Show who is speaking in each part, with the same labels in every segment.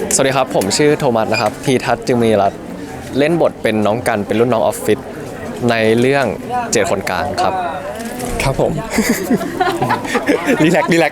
Speaker 1: สวัสดีครับผมชื่อโทมัสนะครับพีทัศน์จึงมีรัตน์เล่นบทเป็นน้องกันเป็นรุ่นน้องออฟฟิศในเรื่องเจ็ดคนกลางครับ
Speaker 2: ครับผม รีแลกซ์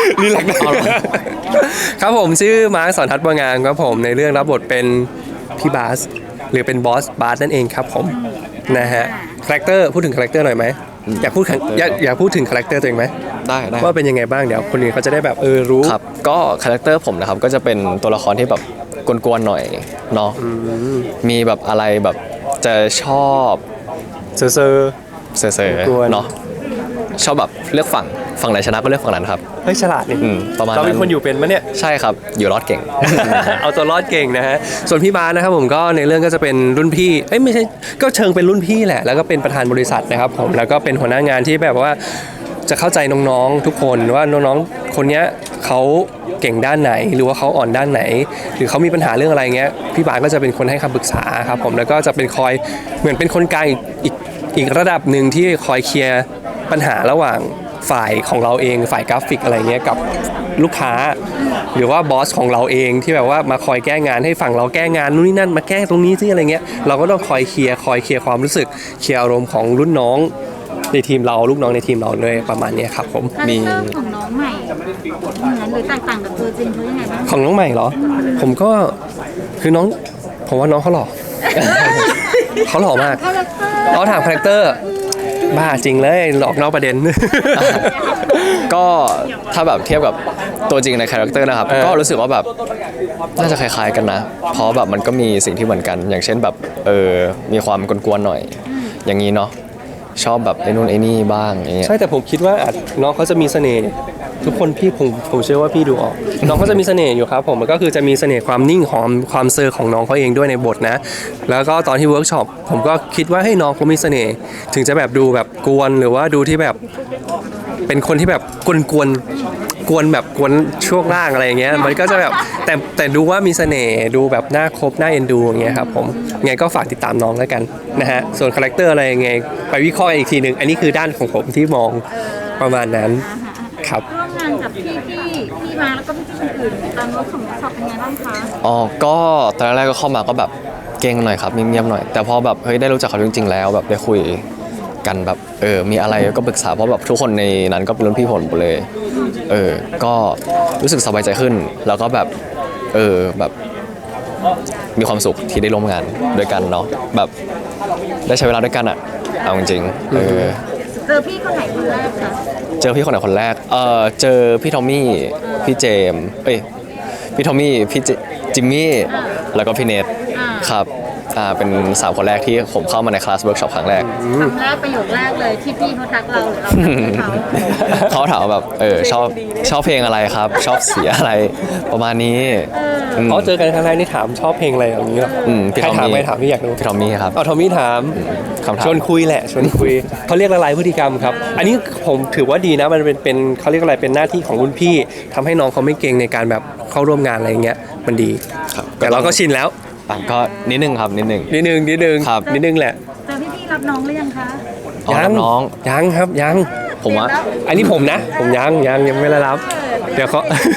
Speaker 2: ครับผมชื่อมาร์คสอนทัศน์บัวงามครับผมในเรื่องรับบทเป็นพี่บาสหรือเป็นบอสบาสนั่นเองครับผมนะฮะคาแรคเตอร์พูดถึงคาแรคเตอร์หน่อยไหมอยากพูดถึงคาแรคเตอร์ตัวเองไหม
Speaker 1: ได้
Speaker 2: ว่าเป็นยังไงบ้างเดี๋ยวคนอื่นเขาจะได้แบบรู้
Speaker 1: ครับก็คาแรคเตอร์ผมนะครับก็จะเป็นตัวละครที่แบบกวนๆหน่อยเนาะมีแบบอะไรแบบจะชอบ
Speaker 2: เซอร์
Speaker 1: เนาะชอบแบบเลือกฝั่งไหนชนะก็เลือกฝั่งนั้นครับ
Speaker 2: เฮ้ยฉลาดนี่
Speaker 1: ประมาณ
Speaker 2: เราเป็นคนอยู่เป็นมั้ยเนี่ย
Speaker 1: ใช่ครับอยู่รอดเก่ง
Speaker 2: เอาตัวรอดเก่งนะฮะส่วนพี่บาสนะครับผมก็ในเรื่องก็จะเป็นรุ่นพี่ไม่ใช่ก็เชิงเป็นรุ่นพี่แหละแล้วก็เป็นประธานบริษัทนะครับผมแล้วก็เป็นหัวหน้างานที่แบบว่าจะเข้าใจน้องๆทุกคนว่าน้องๆคนนี้เขาเก่งด้านไหนหรือว่าเขาอ่อนด้านไหนหรือเขามีปัญหาเรื่องอะไรเงี้ยพี่บาสก็จะเป็นคนให้คำปรึกษาครับผมแล้วก็จะเป็นคอยเหมือนเป็นคนกลางอีกระดับหนึ่งที่คอยเคลียร์ปัญหาระหว่างฝ่ายของเราเองฝ่ายกราฟิกอะไรเงี้ยกับลูกค้าหรือว่าบอสของเราเองที่แบบว่ามาคอยแก้งานให้ฝั่งเราแก้งานนู่นนี่นั่นมาแก้ตรงนี้ที่อะไรเงี้ยเราก็ต้องคอยเคลียร์ความรู้สึกเคลียร์อารมณ์ของรุ่นน้องในทีมเราลูกน้องในทีมเราเลยประมาณนี้ครับผม
Speaker 3: มีของน้องใหม่เหมือนหรือแตกต่างกับตัวจริงเขายังไงบ้าง
Speaker 2: ของน้องใหม่เหรอผมก็คือน้องผมว่าน้องเขาหล่อ เขาหล่อมากเขาถามคาแรคเตอร์บ้าจริงเลยหลอกนอกประเด็น
Speaker 1: ก็ถ้าแบบเทียบกับตัวจริงในคาแรคเตอร์นะครับก็รู้สึกว่าแบบน่าจะคล้ายๆกันนะเพราะแบบมันก็มีสิ่งที่เหมือนกันอย่างเช่นแบบมีความกวนๆหน่อยอย่างนี้เนาะชอบแบบไอ้นู่นไอ้นี่บ้างอย่างเงี้ย
Speaker 2: ใช่แต่ผมคิดว่าน้องเขาจะมีเสน่ห์ทุกคนพี่ผมเชื่อว่าพี่ดูออกน้องเขาจะมีเสน่ห์อยู่ครับผมมันก็คือจะมีเสน่ห์ความนิ่งของความเซอร์ของน้องเขาเองด้วยในบทนะแล้วก็ตอนที่เวิร์กช็อปผมก็คิดว่าให้น้องเขามีเสน่ห์ถึงจะแบบดูแบบกวนหรือว่าดูที่แบบเป็นคนที่แบบกวนแบบกวนช่วงล่างอะไรอย่างเงี้ยมันก็จะแบบแต่ดูว่ามีเสน่ห์ดูแบบน่าคบน่าเอ็นดูอย่างเงี้ยครับผมไงก็ฝากติดตามน้องแล้วกันนะฮะส่วนคาแรคเตอร์อะไรยังไงไปวิเคราะห์อีกทีนึงอันนี้คือด้านของผมที่มองประมาณนั้นครับ
Speaker 3: ร่วมงานกับพี่มาแล้วก็พี่คนอื่นตอนเวิร์กช็อปเป็นไงบ้างคะ
Speaker 1: อ๋อก็ตอนแรกก็เข้ามาก็แบบเก่งหน่อยครับเงียบๆหน่อยแต่พอแบบเฮ้ยได้รู้จักเขาจริงๆแล้วแบบได้คุยกันแบบมีอะไรก็ปรึกษาเพราะแบบทุกคนในนั้นก็เป็นรุ่นพี่ผมหมดเลยก็รู้สึกสบายใจขึ้นแล้วก็แบบแบบมีความสุขที่ได้ร่วมงานด้วยกันเนาะแบบได้ใช้เวลาด้วยกันอ่ะเอาจริงๆ
Speaker 3: เจอพี่คนไหนคนแรกคะ
Speaker 1: เจอพี่คนไหนคนแรกเจอพี่ทอมมี่พี่เจมพี่ทอมมี่พี่จิมมี่แล้วก็พี่เนทครับเป็น3คนแรกที่ผมเข้ามาในคลาสเวิร์กช็อปครั้งแรก
Speaker 3: ประโยคแรกเลยที่พี่เขาทักเราหรือเราทักเขา
Speaker 1: เขาถามแบบชอบเพลงอะไรครับชอบเสียอะไรประมาณนี้
Speaker 2: เขาเจอกันครั้งแรกนี่ถามชอบเพลงอะไรอย่างนี้หรอใครถามไม่ถามพี่อยากรู้
Speaker 1: พี่ทอมมี่ครับ
Speaker 2: ทอมมี่ถามชวนคุยแหละชวนคุยเขาเรียกละลายพฤติกรรมครับอันนี้ผมถือว่าดีนะมันเป็นเขาเรียกอะไรเป็นหน้าที่ของรุ่นพี่ทำให้น้องเขาไม่เก่งในการแบบเข้าร่วมงานอะไรเงี้ยมันดีแต่เราก็ชินแล้ว
Speaker 1: ก็นิดนึงครับนิดนึง
Speaker 2: ครับนิดนึงแหละ
Speaker 3: แต่พี่รับน้องหรือยังคะ
Speaker 2: ยังครับยัง
Speaker 1: ผมว่า
Speaker 2: อันนี้ผมนะผมยังไม่ได้รับเดี๋ยว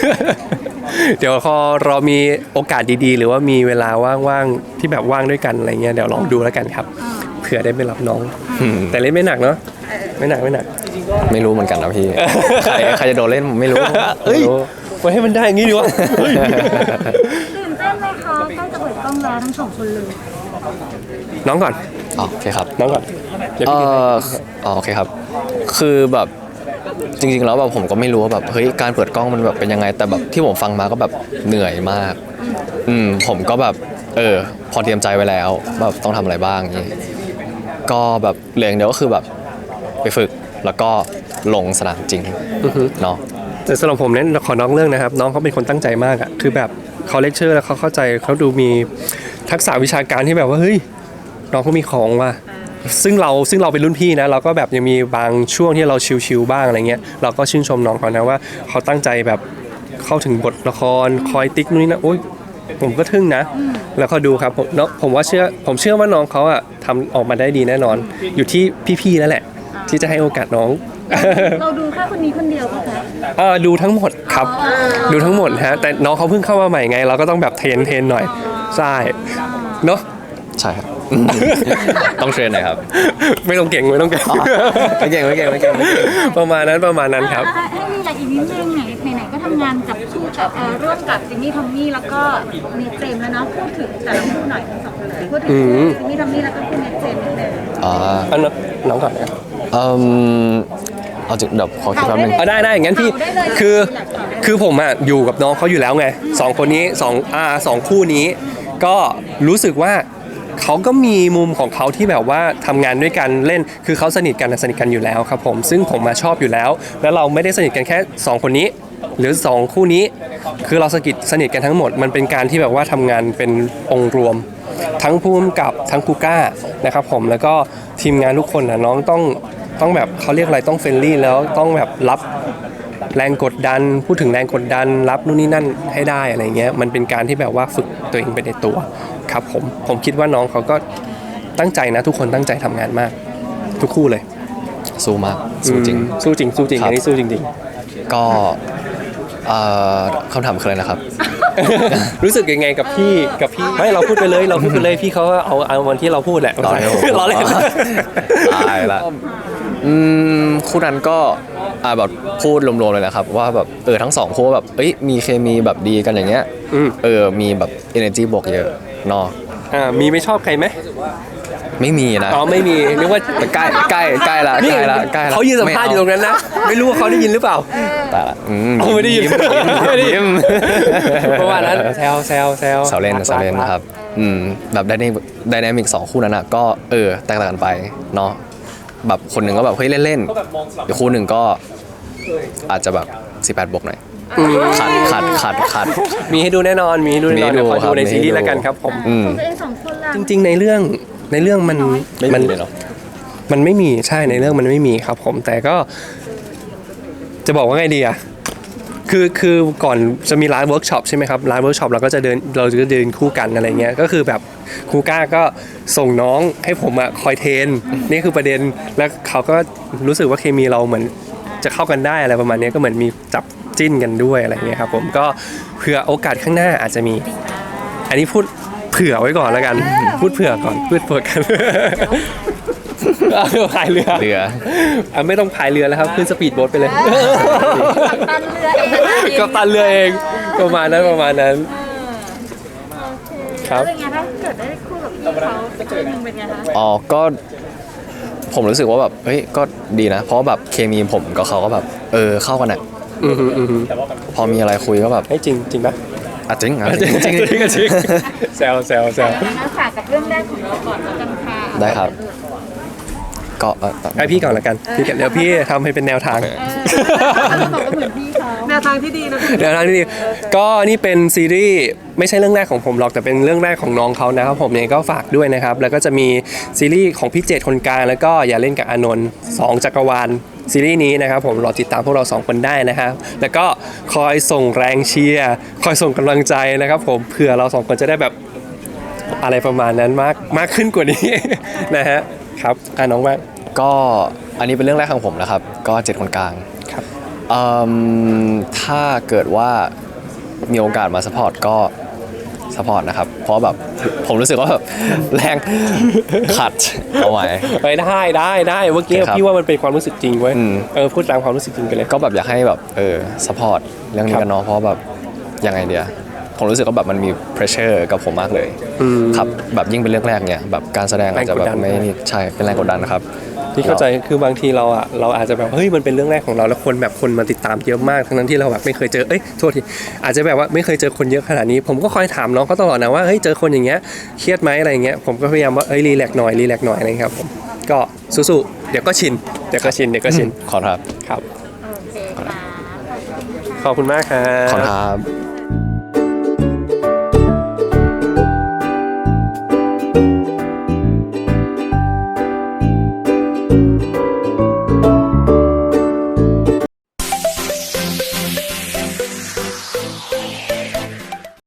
Speaker 2: รอมีโอกาสดีๆหรือว่ามีเวลาว่างๆที่แบบว่างด้วยกันอะไรเงี้ยเดี๋ยวลองดูแล้วกันครับเผื่อได้ไปรับน้องแต่เล่นไม่หนักเนาะไม่หนัก
Speaker 1: ไม่รู้เหมือนกันนะพี่ใครจะโดนเล่นผมไม่รู้
Speaker 2: ไว้ให้มันได้อย่างนี้ดีวะ
Speaker 3: ตื่นเต้นไหมคะใกล้จะเปิดกล้องแล้วทั้ง2คนเลย
Speaker 2: น้องก่อน
Speaker 1: โอเคครับ
Speaker 2: น้องก่อน
Speaker 1: โอเคครับคือแบบจริงๆแล้วแบบผมก็ไม่รู้ว่าแบบเฮ้ยการเปิดกล้องมันแบบเป็นยังไงแต่แบบที่ผมฟังมาก็แบบเหนื่อยมากผมก็แบบพอเตรียมใจไว้แล้วแบบต้องทำอะไรบ้างนี้ก็แบบเหลืออย่างเดียวก็คือแบบไปฝึกแล้วก็ลงสนามจริงเนาะ
Speaker 2: แต่สำหรับผมเนี่ยขอน้องเรื่องนะครับน้องเขาเป็นคนตั้งใจมากอ่ะคือแบบเขาเลคเชอร์แล้วเขาเข้าใจเขาดูมีทักษะวิชาการที่แบบว่าเฮ้ยน้องเขามีของว่ะซึ่งเราเป็นรุ่นพี่นะเราก็แบบยังมีบางช่วงที่เราชิลๆบ้างอะไรเงี้ยเราก็ชื่นชมน้องเขานะว่าเขาตั้งใจแบบเข้าถึงบทละครคอยติ๊กนู่นนี่นะโอ๊ยผมก็ทึ่งนะแล้วก็ดูครับผมเชื่อว่าน้องเขาอะทำออกมาได้ดีแน่นอนอยู่ที่พี่ๆแล้วแหละที่จะให้โอกาสน้อง
Speaker 3: เราดูแค่คนนี้คนเดียวป่ะคะ
Speaker 2: ดูทั้งหมดครับ ดูทั้งหมดฮะแต่น้องเขาเพิ่งเข้ามาใหม่ไง เราก็ต้องแบบเทรนหน่อยใช่เนาะ
Speaker 1: ใช่ครับ ต้องเทรนหน่อยครับ
Speaker 2: ไม่ต้องเก่งไม่ต้องเก่ง
Speaker 1: ไม่เก่งไม่เก่งไม่เก่งไม่เก่ง
Speaker 2: ประมาณนั้นครับ
Speaker 3: ให้มีอะไรอีกนิดนึงไหนๆก็ทำงานกับคู่กับร่วมกับจิมมี่ทอมมี่แล้วก็เนทเจมส์แล้วเนาะพูดถึงแต่ละคู่หน่อยทั้งสองคนเลยพูดถึงจิมมี่ทอมมี่แล้วก็คู่เนทเจมส์นิดนึง
Speaker 2: อันน้องก่อนนะ
Speaker 1: เอาจริงเดี๋ยวขอคิดแป๊บนึง
Speaker 2: ได้งั้นพี่คือผมอ่ะอยู่กับน้องเขาอยู่แล้วไงสองคนนี้สองคู่นี้ ก็รู้สึกว่าเขาก็มีมุมของเขาที่แบบว่าทำงานด้วยกันเล่นคือเขาสนิทกันอยู่แล้วครับผมซึ่งผมมาชอบอยู่แล้ว แล้วเราไม่ได้สนิทกันแค่2คนนี้ หรือ2คู่นี้ คือเราสนิทกันทั้งหมดมันเป็นการที่แบบว่าทำงานเป็นองค์รวม ทั้งผู้กำกับทั้งคูก้านะครับผมแล้วก็ทีมงานทุกคนนะน้องต้องแบบเขาเรียกอะไรต้องเฟรนลี่แล้วต้องแบบรับแรงกดดันพูดถึงแรงกดดันรับนู่นนี่นั่นให้ได้อะไรเงี้ยมันเป็นการที่แบบว่าฝึกตัวเองไปในตัวครับผมคิดว่าน้องเขาก็ตั้งใจนะทุกคนตั้งใจทำงานมากทุกคู่เลย
Speaker 1: สู้มากสู้จริง
Speaker 2: สู้จริงสู้จริง
Speaker 1: ครับ
Speaker 2: อันนี้สู้จริง
Speaker 1: ก็คำถามคืออะไรนะครับ
Speaker 2: ๆ รู้สึกยังไงกับพี่ไม่เราพูดไปเลยพี่เขาก็เอาวันที่เราพูดแหละ
Speaker 1: รอให้ผม
Speaker 2: รอเล่น
Speaker 1: ตายละคู่นั้นก็แบบพูดรวมๆเลยนะครับว่าแบบทั้งสองคู่แบบมีเคมีแบบดีกันอย่างเงี้ยมีแบบ energy บวกเยอะเนาะ
Speaker 2: มีไม่ชอบใครไหม
Speaker 1: ไม่มีนะ
Speaker 2: อ๋อไม่มีนึกว่า
Speaker 1: แต่ใกล้ละ
Speaker 2: นี่
Speaker 1: ใกล้ละ
Speaker 2: เขายืนสัมภาษณ์อยู่ตรงนั้นนะไม่รู้ว่าเขาได้ยินหรือเปล่า
Speaker 1: แต่ละ
Speaker 2: ไม่ได้ยิน
Speaker 1: ยิ้ม
Speaker 2: เพราะว่านั้นแซว
Speaker 1: แซวเล่นครับแบบไดนามิก2คู่นั้นอะก็แตกต่างกันไปเนาะแบบคนหนึ่งก็แบบเฮ้ยเล่นๆอีกคู่หนึ่งก็อาจจะแบบ18 บวกหน่อยขัด
Speaker 2: มีให้ดูแน่นอนมีให้ดูแน่นอน
Speaker 1: มีให้ดู
Speaker 2: เดี๋ยวคอย
Speaker 1: ครั
Speaker 2: ดู
Speaker 1: บ
Speaker 2: ในซีรี
Speaker 1: มีให้ดู
Speaker 2: ส์แล้วกันครับผม
Speaker 3: ของตัวเองสองคนล่ะ
Speaker 2: จริงๆในเรื่องมัน
Speaker 1: ไม่มีเลยเนาะ
Speaker 2: มันไม่มีใช่ในเรื่องมันไม่มีครับผมแต่ก็จะบอกว่าไงดีอะคือก่อนจะมีร้านเวิร์กช็อปใช่ไหมครับร้านเวิร์กช็อปเราจะเดินคู่กันอะไรเงี้ยก็คือแบบครูก้าก็ส่งน้องให้ผมอะคอยเทรนนี่คือประเด็นแล้วเขาก็รู้สึกว่าเคมีเราเหมือนจะเข้ากันได้อะไรประมาณนี้ก็เหมือนมีจับจิ้นกันด้วยอะไรเงี้ยครับผมก็เผื่อโอกาสข้างหน้าอาจจะมี อันนี้พูดเผื่อไว้ก่อนแล้วกันพูดเผื่อก่อนพูดเผื่อกันพายเรือไม่ต้องพายเรือแล้วครับขึ้นสปีดโบ๊ทไปเลย
Speaker 3: ตันเรือเอง
Speaker 2: ก็ตันเรือเองประมาณนั้นครับ
Speaker 3: เป็นไงถ้าเกิดได้คู่กับพี่เขาสักคู่นึงเป็นไงคะ
Speaker 1: ก็ผมรู้สึกว่าแบบก็ดีนะ เพราะแบบเคมีผมกับเขาก็แบบเข้ากันอะพอมีอะไรคุยก็แบบ
Speaker 2: ให้จริงปะ
Speaker 1: จริง
Speaker 2: จริงแซว
Speaker 3: งั้นฝากกับเรื่องแรกของเราก่อนแล้วกันค่ะ
Speaker 1: ได้ครับ ก็
Speaker 2: ให้พี่ก่อนละกันเดี๋ยวพี่ทำให้เป็นแนวทาง
Speaker 3: บอกว่าเหมือนพี่เขาแนวทางที่ดีนะ
Speaker 2: แนวทางที่ดีก็นี่เป็นซีรีส์ไม่ใช่เรื่องแรกของผมหรอกแต่เป็นเรื่องแรกของน้องเขานะครับผมเนี่ยก็ฝากด้วยนะครับแล้วก็จะมีซีรีส์ของพี่เจตคนกลางแล้วก็อย่าเล่นกับอานนท์2 จักรวาลซีรีส์นี้นะครับผมรอติดตามพวกเรา2 คนได้นะครับแล้วก็คอยส่งแรงเชียร์คอยส่งกำลังใจนะครับผมเผื่อเรา2 คนจะได้แบบอะไรประมาณนั้นมากขึ้นกว่านี้ นะฮะครับน้องว่า
Speaker 1: ก็อันนี้เป็นเรื่องแรกของผมนะครับก็7 คนกลาง
Speaker 2: ครับ
Speaker 1: ถ้าเกิดว่ามีโอกาสมาสปอร์ตก็สปอร์ตนะครับเพราะแบบผมรู้สึกว่าแบบแรงขัดเอาไว้
Speaker 2: ไปได้เมื่อกี้
Speaker 1: ครับ
Speaker 2: พี่ว่ามันเป็นความรู้สึกจริงเว้ย
Speaker 1: อืม
Speaker 2: พูดตามความรู้สึกจริงไปเลย
Speaker 1: ก็แบบอยากให้แบบสปอร์ตเรื่องนี้กันเนาะเพราะแบบยังไงเดียผมรู้สึกว่าแบบมันมี pressure กับผมมากเลยครับแบบยิ่งเป็นเรื่องแรกเนี่ยแบบการแสดงอาจจะแบบไม่นี่ใช่เป็นแรงกดดันนะครับ
Speaker 2: พี่เข้าใจคือบางทีเราอาจจะแบบเฮ้ยมันเป็นเรื่องแรกของเราแล้วคนมาติดตามเยอะมากทั้งนั้นที่เราแบบไม่เคยเจอโทษทีอาจจะแบบว่าไม่เคยเจอคนเยอะขนาดนี้ผมก็คอยถามน้องเขาตลอดนะว่าเฮ้ยเจอคนอย่างเงี้ยเครียดไหมอะไรอย่างเงี้ยผมก็พยายามว่ารีแลกซ์หน่อยอะไรครับผมก็สู้ๆเดี๋ยวก็ชิน
Speaker 1: ขอครับ
Speaker 2: ครับ
Speaker 3: โอเคค่ะ
Speaker 2: ขอบคุณมากครับ
Speaker 1: ขอครับ